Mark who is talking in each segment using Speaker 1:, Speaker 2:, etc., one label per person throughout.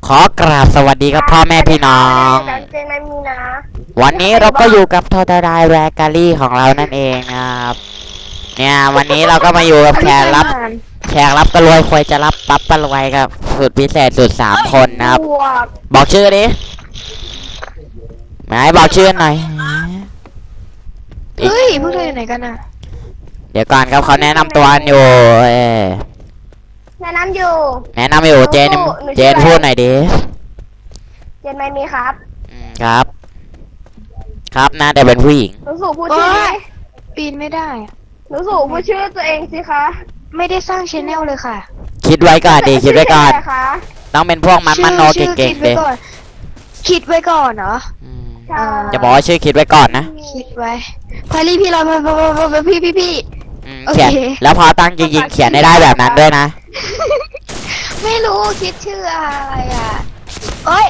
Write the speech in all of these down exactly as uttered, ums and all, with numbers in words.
Speaker 1: อกราบสวัสดีครับพ่อแม่พี่น้องวันนี้เราก็อยู่กับทอตารายแวร์การีของเรานั่นเองนะครับเนี่ยวันนี้เราก็มาอยู่กับแขกรับแขกรับกระรวยควายจะรับปั๊บกระรวยกับสุดพิเศษสุดสามคนนะครับบอกชื่อดิไหนบอกชื่อหน่อย
Speaker 2: เฮ้ยพวกเธออยู่ไหนกันน่ะ
Speaker 1: เดี๋ยวก่อนครับเขาแนะนำตัวอยู่เออ
Speaker 3: แนะนำอยู่
Speaker 1: แนะนำอยู่เจนเจนพูดหน่อยดิ
Speaker 3: เจนไม่มีครับ
Speaker 1: ครับครับน่าจะเป็นผู้หญิง
Speaker 3: หนูสู่พูดชื่อดิ
Speaker 2: ปีนไม่ได้
Speaker 3: หนูสู่พูดชื่อตัวเองสิคะ
Speaker 2: ไม่ได้สร้างชแนลเลยค่ะ
Speaker 1: คิดไว้ก่อนดิคิดไว้ก่อนต้องเป็นพวกมันมันโนเก่งๆดิ
Speaker 2: คิดไว้ก่อนเหรอ
Speaker 1: จะบอกว่าชื่อคิดไว้ก่อนนะ
Speaker 2: คิดไว้พารีพี่เราพี่พี่พี่
Speaker 1: เขียนแล้วพอตั้งจริงๆเขียนได้แบบนั้นด้วยนะ
Speaker 2: ไม่รู้คิดชื่ออะไรอ่ะเอ้ย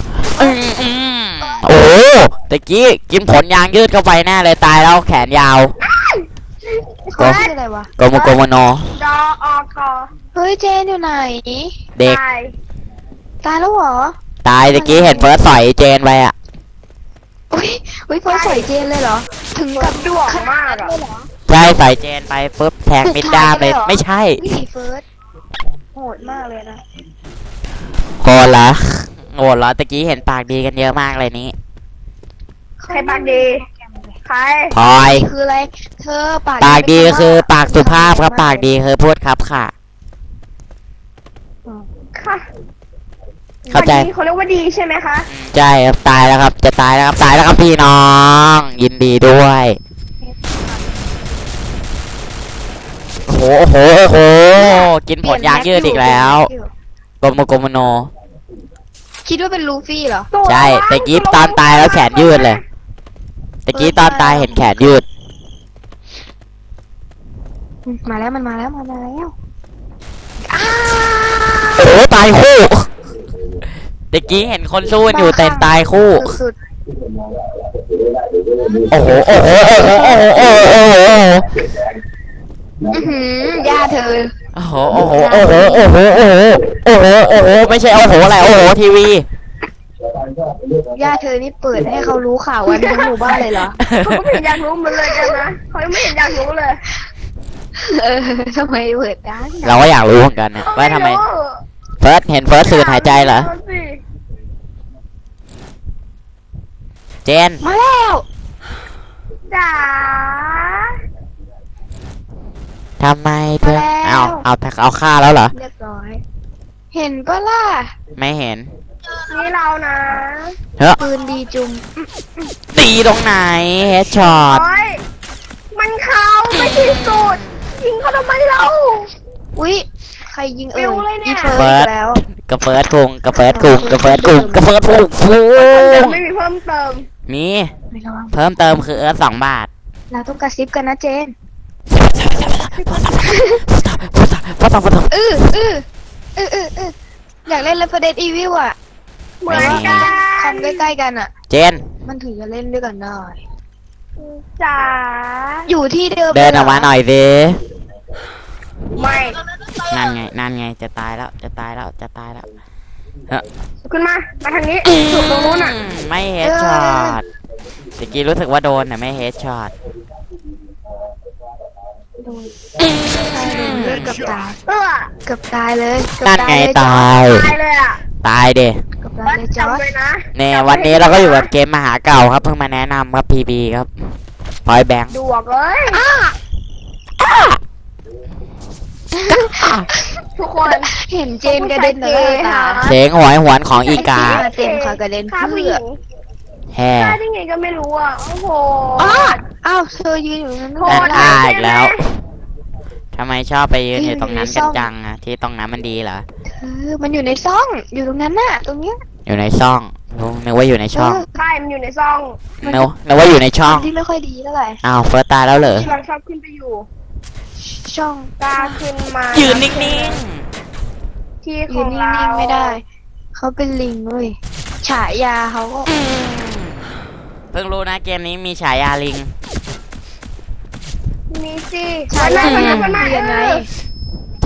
Speaker 1: โอ้ตะกี้กินผลยางยืดเข้าไปแน่เลยตายแล้วแขนยาว
Speaker 2: ก็อะไรวะ
Speaker 1: โกโมโกโมโน
Speaker 3: ดออคอ
Speaker 2: เฮ้ยเจนอยู่ไหน
Speaker 1: เด็ก
Speaker 2: ตายแล้วเหรอ
Speaker 1: ตายตะกี้เห็นเฟิร์สสอยเจนไปอ่ะ
Speaker 2: อุ้ยอุ้ยเฟิร์สสอยเจนเลยเหรอถึงกับ
Speaker 3: ดวงมากอ่ะ
Speaker 1: ใช่ใส่เจนไปปุ๊บแทงมิดด้ามเลยไม่ใช่
Speaker 2: เฟิร์สโหดมากเลยนะ
Speaker 1: โหดละโหดละตะกี้เห็นปากดีกันเยอะมากเลยนี้
Speaker 3: ใครปากดีใคร
Speaker 1: พลอย
Speaker 2: คืออะไรเธอปาก
Speaker 1: ปากดีคือปากสุภาพครับปากดีคือพูดครับค่ะ
Speaker 3: ค่ะ
Speaker 1: เข้าใจ
Speaker 3: เขาเรียกว่าดีใช่ไหมคะ
Speaker 1: ใช่ครับตายแล้วครับจะตายแล้วครับตายแล้วครับพี่น้องยินดีด้วยโอ้โหโอ้โหโอ้โหกินผลยางยืดอีกแล้วโกโมโกโมโน
Speaker 2: คิดว่าเป็นลูฟี่เหรอ
Speaker 1: ใช่แต่กี้ตอนตายแล้วแขนยืดเลยแต่กี้ตอนตายเห็นแขนยืด
Speaker 2: มาแล้วมันมาแล้วมาแล้ว
Speaker 1: โอ้โหตายคู่แต่กี้เห็นคนสู้อยู่แต่ตายคู่โอ้โหโอ้โหโอ้โหโอ้โหโอ้โหโอ้โห
Speaker 2: ย่าเธอ
Speaker 1: โอ้โหโอ้โหโอ้โหโอ้โหโอ้โหโอ้โหโอ้โหไม่ใช่โอ้โหอะไรโอ้โหทีวี
Speaker 2: ย่าเธอนี่เปิดให้เขารู้ข่าววันทั้งหมู่บ้านเลยเหรอ
Speaker 3: เขาไม่เห็นอยากรู้มันเลยกันนะเขาไม่เห็นอยากรู้เลย
Speaker 2: เออทำไมเปิดได้
Speaker 1: เราก็อยากรู้เหมือนกันนะว่าทำไมเฟิร์สเห็นเฟิร์สสูดหายใจเหรอเจน
Speaker 2: มาแล้ว
Speaker 3: จ๋า
Speaker 1: ทำไมเธอเอาเอาเอาฆ่าแล้วเหรอ
Speaker 2: เรียบร้อยเห็นปะล่ะ
Speaker 1: ไม่เห็น
Speaker 3: นี่เรานะ
Speaker 1: เฮ้ย
Speaker 2: ปืนดีจุ่ม
Speaker 1: ตีตรงไหนเฮดช็อต
Speaker 3: มันเขาไม่ที่สุดยิงเขาทำไมเรา
Speaker 2: อุ้ยใครยิงเอ่ยอี
Speaker 1: เฟิร์สแล้วกระเฟิร์สกุงกระเฟิร์สกุงกระเฟิร์สกุงกระเฟิร์สกุงฟู
Speaker 3: ไม่มีเพิ่มเติม
Speaker 1: มีเพิ่มเติมคือเออสองบาท
Speaker 2: เราต้องกระซิบกันนะเจนเออเออเออเออเอออยากเล่น Resident Evil อ่ะ
Speaker 3: เหมือนกัน
Speaker 2: คอมใกล้ๆกันอ่ะ
Speaker 1: เจน
Speaker 2: มันถึงจะเล่นด้วยกันได้
Speaker 3: จ๋า
Speaker 2: อยู่ที่เดิม
Speaker 1: เดินออกมาหน่อยสิ
Speaker 3: ไม่
Speaker 1: นั่นไงนั่นไงจะตายแล้วจะตายแล้วจะตายแล้ว
Speaker 3: ขึ้นมามาทางนี้ถูกตรงนู้นอ่ะ
Speaker 1: ไม่เฮดช็อตตะกี้รู้สึกว่าโดนแต่ไม่เฮดช็อต
Speaker 2: เลือดกับตายกับตายเลย
Speaker 1: นั่นไงตาย
Speaker 3: ตายเลยอ่ะ
Speaker 1: ตายเด้
Speaker 2: กับตายเลยจอร์จ
Speaker 1: เนี่ยวันนี้เราก็อยู่กับเกมมหาเก่าครับเพิ่งมาแนะนำครับพีบีครับพอยแบงค์
Speaker 3: ดวกเลยทุกคน
Speaker 2: เห็นเจนกระเด็นเลยค่ะ
Speaker 1: เสียงหวยหวนของอีกา
Speaker 2: เจนค่ะกระเด็นเพื่อ
Speaker 1: แฮ่
Speaker 3: ได้ไงก็ไม่รู้อ่ะโอ้โห
Speaker 2: อ้าวเธอยืนอยู่นั้น
Speaker 1: โอนอ่าอีกแล้วทำไมชอบไปยืนอยู่ตรงนั้นกันจังอะที่ตรงนั้นมันดีเหรอ
Speaker 2: เออมันอยู่ในซ่องอยู่ตรงนั้นน่ะตรงเนี้ย
Speaker 1: อยู่ในซ่องนึกว่าอยู่ในช่อง
Speaker 3: ใช่มันอยู่ในซ่อง
Speaker 1: นึกนึกว่าอยู่ในช่อง
Speaker 2: ที่ไม่ค่อยดีเท่าไหร่
Speaker 1: อ้าวเฟิร์สตายแล้วเหรอ
Speaker 3: เราชอบขึ้นไปอยู่
Speaker 2: ช่อง
Speaker 3: ตาขึ้นมา
Speaker 1: ยืนนิ่ง
Speaker 3: ๆที่ของเรา
Speaker 2: ยืนนิ่งๆไม่ได้เขาเป็นลิงเว้ยฉายาเขาก็
Speaker 1: เพิ่งรู้นะเกมนี้มีฉายาลิง
Speaker 3: มีสิ
Speaker 2: ฉายาลิงเรียนไง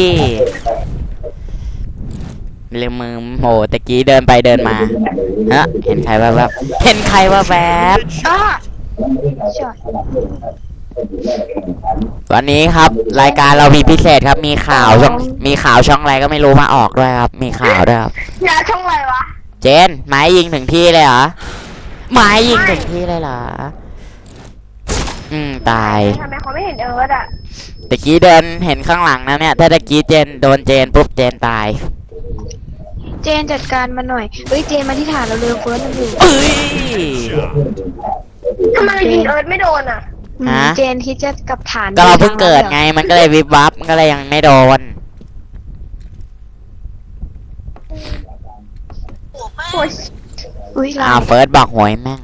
Speaker 1: ลืมมือโหตะกี้เดินไปเดินมาฮะเห็นใครแวบๆเห็นใครแวบ
Speaker 2: อ่ะช็อต
Speaker 1: ๆวันนี้ครับ รายการเรามีพิเศษครับ มีข่าวช่องมีข่าวช่องอะไรก็ไม่รู้มาออกด้วยครับ มีข่าวด้วยครับ
Speaker 3: ยาช่องอะไรวะ
Speaker 1: เจนไม้ยิงถึงที่เลยเหรอไม้ยิงถึงที่เลยเหรออืมตาย
Speaker 3: ทำไมเขาไม่เห็นเอิร์ธอ่ะ
Speaker 1: ตะกี้เดินเห็นข้างหลังนะเนี่ย ถ้าตะกี้เจนโดนเจนปุ๊บเจนตาย
Speaker 2: เจนจัดการมาหน่อยเฮ้ยเจนมาที่ฐานเราเร็วเฟิร์สมันอยู่
Speaker 1: เอ้ย
Speaker 3: ทำไมยิงเอิร์ธไม่โดนอ่ะ
Speaker 2: อืม
Speaker 1: ฮะ
Speaker 2: เจนคิดจะกลับฐาน
Speaker 1: ก็เราเพิ่งเกิดไง มันก็เลยวิบวับมันก็เลยยังไม่โดน
Speaker 3: โอ้ย
Speaker 2: อุ้ย
Speaker 1: อ้า
Speaker 2: ลาว
Speaker 1: เฟิร์สบอกหวยแม่ง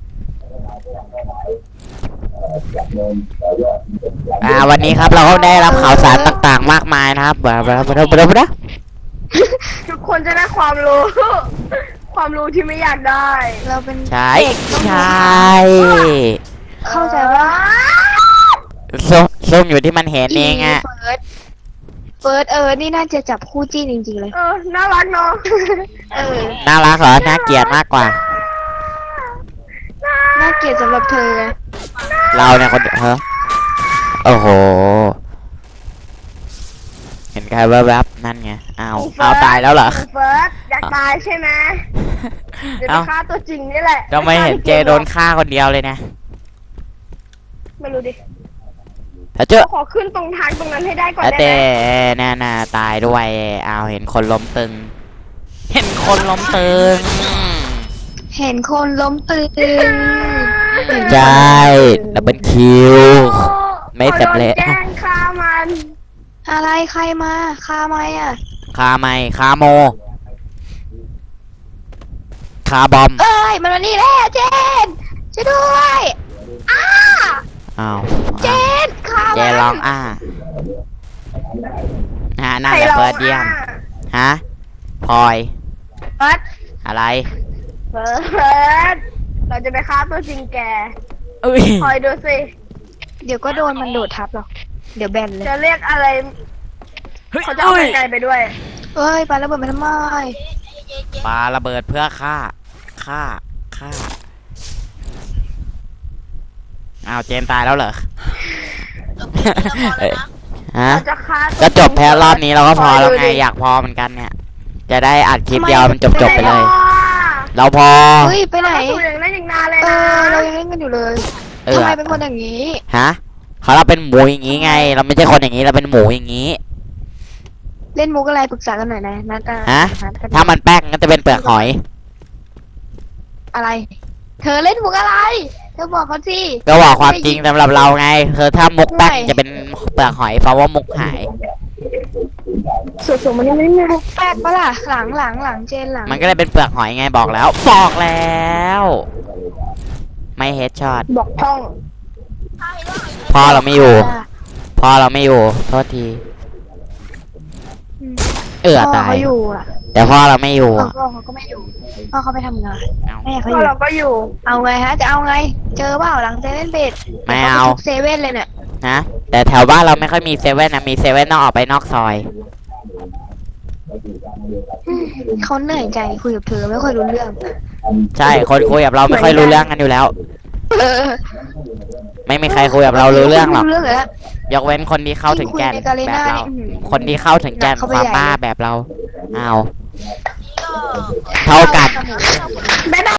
Speaker 1: อ่าวันนี้ครับเราก็ได้รับข่าวสารต่างๆ มากมายนะครับบลาบลาบลาบลาบลา
Speaker 3: ทุกคนจะได้ความรู้ ความรู้ที่ไม่อยากได้
Speaker 2: เราเป็น
Speaker 1: ใช่
Speaker 2: เด็กต้อง
Speaker 1: ใช
Speaker 2: รู้
Speaker 1: ่
Speaker 2: เข้าใจว่า
Speaker 1: ส้มส้มอยู่ที่มันเห็นเองอะ
Speaker 2: เฟิร์สเฟิร์สเออนี่น่าจะจับคู่จิ้นจริงๆเลย
Speaker 3: เออ น่ารักเนาะ
Speaker 2: เออ
Speaker 1: น่ารักเหรอน่าเกลียดมากกว่า
Speaker 2: น่าเกลียดสำหรับเธอไง
Speaker 1: เราเนี่ยคนเดียวเฮ้อโอ้โห เห็นใครแวบๆนั่นไงอ้าวเอาตายแล้วเหรอ
Speaker 3: เฟิร์สอยากตายใช่ไหมเดี๋ยวไป
Speaker 1: เอ้า
Speaker 3: ฆ่าตัวจริงนี่แหละ
Speaker 1: ทำไมเห็นเจโดนฆ่าคนเดียวเลยนะ
Speaker 3: ไม่รู้ดิ
Speaker 1: ถ้าเจอ
Speaker 3: ขอขึ้นตรงทางตรงนั้นให้ได้ก่อน
Speaker 1: แล้ว
Speaker 3: ได้
Speaker 1: เต้
Speaker 3: ไหม
Speaker 1: น่าน่าตายด้วยอ้าวเห็นคนล้มตึง เห็นคนล้มตึง
Speaker 2: เห็นคนล้มตึง
Speaker 1: ใช่ดับเบิลคิว ไม่สำเร็จ
Speaker 3: ขอโดนแจ้งฆ่ามัน
Speaker 2: อะไรใครมาคาไหมอ่ะ
Speaker 1: คาไม่คาโม คาบอม
Speaker 2: เอ้ยมันมานี่แล้วเจนช่วยด้วยอ้า
Speaker 1: อ้าว
Speaker 2: เจนคา
Speaker 1: เจ
Speaker 2: มัน
Speaker 1: ร้องอ้าฮะน่า
Speaker 3: ใคร
Speaker 1: จะ
Speaker 3: ร้อง
Speaker 1: เปิดเยี่ยม
Speaker 3: อ่ะ
Speaker 1: ฮะพลอย
Speaker 3: เฟิร์ส
Speaker 1: อะไร
Speaker 3: เฟิร์สเราจะไปฆ่าตัวจริงแก
Speaker 1: อุ้ย
Speaker 3: คอยดูสิ
Speaker 2: เดี๋ยวก็โดนมันโดดทับหรอกเดี๋ยวแบนเลย
Speaker 3: จะเรียกอะไร เขาจะเอาไปไกลไปด้วย
Speaker 2: เอ้ยปาระเบิดมาทำไม
Speaker 1: ปาระเบิดเพื่อฆ่า ฆ่า ฆ่า อ้าวเจนตายแล้วเหรอ เอ้ยฮะ
Speaker 3: เราจะฆ่าตัว
Speaker 1: ก็จบแพ้รอบนี้เราก็พอแล้วไง
Speaker 3: คดูดิ
Speaker 1: อยากพอเหมือนกันเนี่ย จะได้อัดคลิปเดียวมันจบจบๆไปเลย
Speaker 3: ม่ด้
Speaker 1: เราพอ
Speaker 2: เฮ้ยไปไหน
Speaker 3: เราถูกอย่างนั้นอย่างนานเลย
Speaker 2: เอ
Speaker 3: นะ
Speaker 2: อเรายังเล่นกันอยู่เลย
Speaker 1: เออ
Speaker 2: ทำไมเป็นคนอย่างนี้
Speaker 1: ฮะเขาเราเป็นหมูอย่างงี้ไง เราไม่ใช่คนอย่างงี้เราเป็นหมูอย่างงี้
Speaker 2: เล่นมุกอะไรปรึกษากันหน่อยนะนัดอ่
Speaker 1: ฮะ
Speaker 2: นัดกัน
Speaker 1: ถ้ามันแป้งก็จะเป็นเปลือกหอย
Speaker 2: อะไร เธอเล่นมุกอะไร เธอบอกเขาสิ
Speaker 1: ก็บอกความจริงสำหรับเราไงคือถ้ามุกแป้ง
Speaker 2: ไม่
Speaker 1: จะเป็นเปลือกหอยเพราะว่ามุกหาย
Speaker 3: สุดๆมันยังไม่มี
Speaker 2: มุกแปลกปะล่ะหลังหลังหลังเจนหลัง
Speaker 1: มันก็เลยเป็นเปลือกหอยไงบอกแล้ว บอกแล้ว ไม่เฮดช็อต
Speaker 3: บอกช่อง
Speaker 1: พ่อเราไม่อยู่ พ่อเราไม่อยู่ โทษที
Speaker 2: อืม
Speaker 1: เออ
Speaker 2: พ่อ
Speaker 1: ตาย
Speaker 2: เขาอยู่อ่ะ
Speaker 1: แต่พ่อเราไม่อยู่
Speaker 2: พ่อเขาก็ไม่อยู่พ่อเขาไปทำงาน
Speaker 1: เอา
Speaker 2: แม่เขา
Speaker 3: ก็
Speaker 2: อยู่
Speaker 3: เราก็อยู่
Speaker 2: เอาไงฮะ จะเอาไง เจอเปล่าหลังเซเว่นเบด
Speaker 1: ไม่เอา
Speaker 2: ทุกเซเว่นเลยเนี่ย
Speaker 1: นะแต่แถวบ้านเราไม่ค่อยมีเซเว่นนะมีเซเว่นต้องออกไปนอกซอย
Speaker 2: อืมเขาเหนื่อยใจคุยกับเธอไม่ค่อยรู้เรื่อง
Speaker 1: ใช่คนคุยกับเราไม่ค่อยรู้เรื่องกันอยู่แล้ว
Speaker 2: เออ
Speaker 1: ไม่มีใครคุยกับเรารู้เรื่องหรอก
Speaker 2: รู้เรื่องเลยละ
Speaker 1: ยกเว้นคนที่เข้าถึงแก่น
Speaker 2: ที่คุยในกาเล
Speaker 1: แบบ
Speaker 2: น่า
Speaker 1: เรา
Speaker 2: นี่อื้อหือ
Speaker 1: คนที่เข้าถึงแก่น
Speaker 2: หนักเข้า
Speaker 1: ค
Speaker 2: ไป
Speaker 1: วาม
Speaker 2: ใหญ่
Speaker 1: บ้า
Speaker 2: เลย
Speaker 1: แบบเราเอาเท่ากัน
Speaker 3: บ๊ายบาย